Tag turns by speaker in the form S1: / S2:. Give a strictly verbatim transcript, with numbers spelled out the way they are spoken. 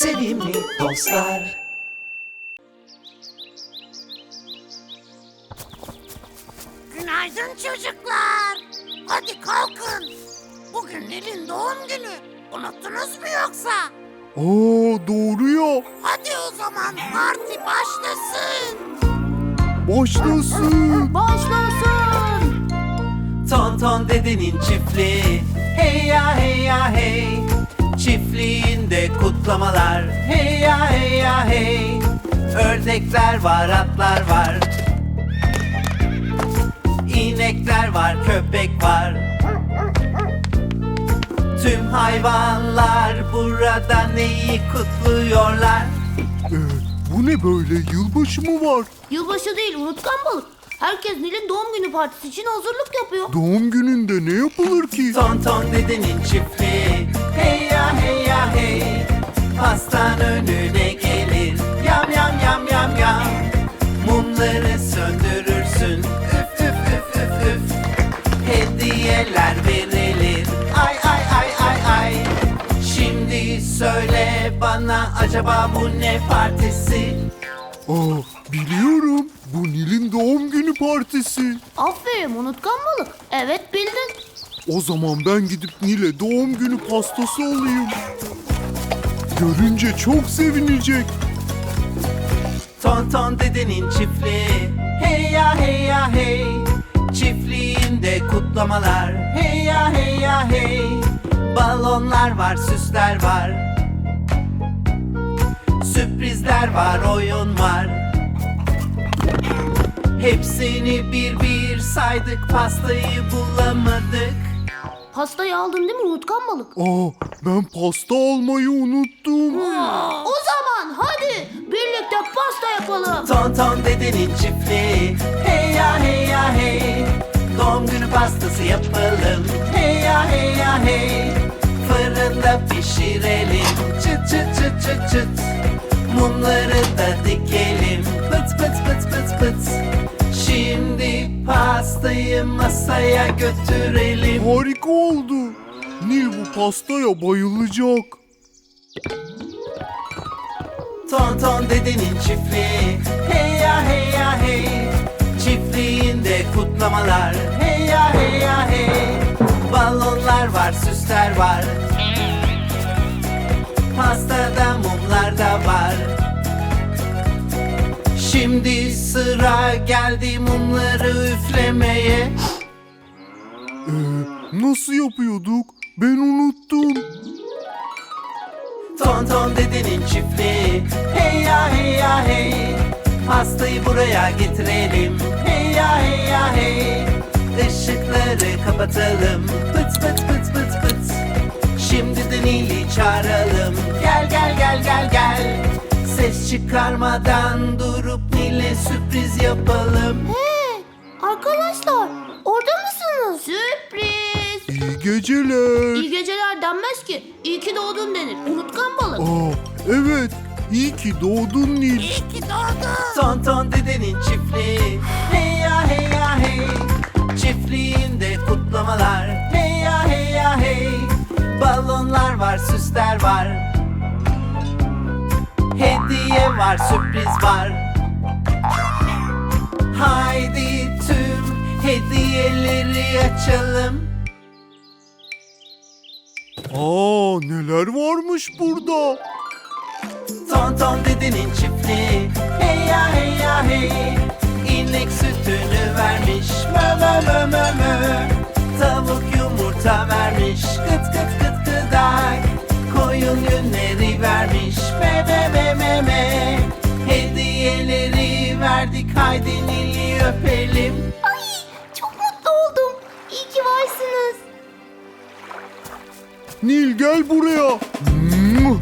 S1: sevimli dostlar.
S2: Günaydın çocuklar. Hadi kalkın. Bugün Nil'in doğum günü. Unuttunuz mu yoksa?
S3: Aa, doğru ya.
S2: Hadi o zaman parti başlasın.
S3: Başlasın.
S4: Başlasın.
S1: Tonton dedenin çiftliği, hey ya hey ya hey. Çiftliğinde kutlamalar, hey ya hey ya hey. Ördekler var, atlar var. İnekler var, köpek var. Tüm hayvanlar burada neyi kutluyorlar?
S3: Ee, bu ne böyle? Yılbaşı mı var?
S4: Yılbaşı değil, unutkan balık. Herkes Nil'in doğum günü partisi için hazırlık yapıyor.
S3: Doğum gününde ne yapılır ki?
S1: Tonton dedenin çiftliği, hey ya hey ya hey. Pastan önüne gelir, yam yam yam yam yam. Mumları söndürürsün, üf üf üf üf üf. Hediyeler verilir, ay ay ay ay ay. Şimdi söyle bana, acaba bu ne partisi?
S3: Aa, biliyorum. Bu Nil'in doğum günü partisi.
S4: Aferin unutkan balık. Evet bildin.
S3: O zaman ben gidip Nil'e doğum günü pastası alayım. Görünce çok sevinecek.
S1: Tonton dedenin çiftliği, hey ya hey ya hey. Çiftliğinde kutlamalar, hey ya hey ya hey. Balonlar var, süsler var. Sürprizler var, oyun var. Hepsini bir bir saydık, pastayı bulamadık.
S4: Pastayı aldın değil mi unutkan balık?
S3: Aa, ben pasta almayı unuttum.
S4: O zaman hadi birlikte pasta yapalım.
S1: Tonton dedenin çiftliği, hey ya hey ya hey. Doğum günü pastası yapalım, hey ya hey ya hey. Fırında pişirelim, çıt çıt çıt çıt çıt. Mumları da dikelim, pıt pıt pıt pıt pıt. Şimdi pastayı masaya götürelim.
S3: Harika oldu. Nil bu pastaya bayılacak.
S1: Tonton dedenin çiftliği, hey ya hey ya hey. Çiftliğinde kutlamalar, hey ya hey ya hey. Balonlar var, süsler var. Pastada mumlar da var. Şimdi sıra geldi mumları üflemeye.
S3: Ee, nasıl yapıyorduk? Ben unuttum.
S1: Tonton dedenin çiftliği, hey ya hey ya hey. Pastayı buraya getirelim, hey ya hey ya hey. Işıkları kapatalım, pıt pıt pıt pıt pıt. Şimdi de Nil'i çağıralım, gel gel gel gel gel. Ses çıkarmadan durup Nil'e sürpriz yapalım.
S4: Hey arkadaşlar orada mısınız? Sürpriz.
S3: İyi geceler.
S4: İyi geceler denmez ki. İyi ki doğdun denir. Unutkan balık.
S3: Aa, evet. İyi ki doğdun Nil.
S2: İyi ki doğdun.
S1: Tonton dedenin çiftliği, hey ya hey ya hey. Çiftliğinde kutlamalar, hey ya hey ya hey. Balonlar var, süsler var. Hediye var, sürpriz var. Haydi tüm hediyeleri açalım.
S3: Aa, neler varmış burada?
S1: Tonton dedenin çiftliği, hey ya hey ya hey. İnek sütünü vermiş, mö mö mö mö mö. Tavuk yumurta vermiş, kıt kıt kıt kıdak. Koyun yünleri vermiş, me me me me me. Hediyeleri verdik, haydi Nil'i öpelim.
S4: Ay çok mutlu oldum. İyi ki varsınız.
S3: Nil gel buraya. Hmm.